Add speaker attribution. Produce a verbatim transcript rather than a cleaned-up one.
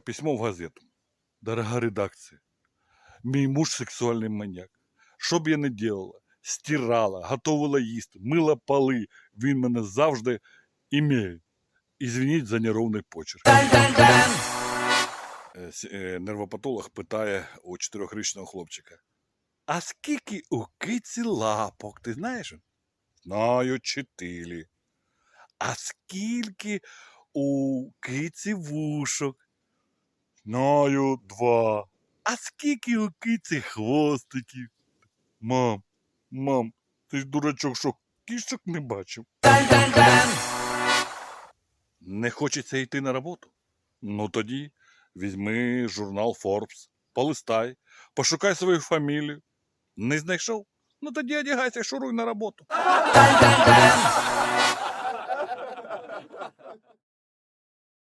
Speaker 1: письмо в газету. Дорога редакція, мій муж сексуальний маньяк. Що б я не делала, стирала, готувала їсти, мила поли, він мене завжди імеє. Ізвініть за неровний почерк. Е, с- е, Нервопатолог питає у чотирьохрічного хлопчика. А скільки у киці лапок, ти знаєш? Знаю, чотири. А скільки у киці вушок? Знаю, два. А скільки у киці хвостиків? Мам, мам, ти ж дурачок, що кішок не бачив? Не хочеться йти на роботу? Ну тоді візьми журнал Forbes, полистай, пошукай свою фамілію. Не знайшов? Ну тоді одягайся, шуруй на роботу.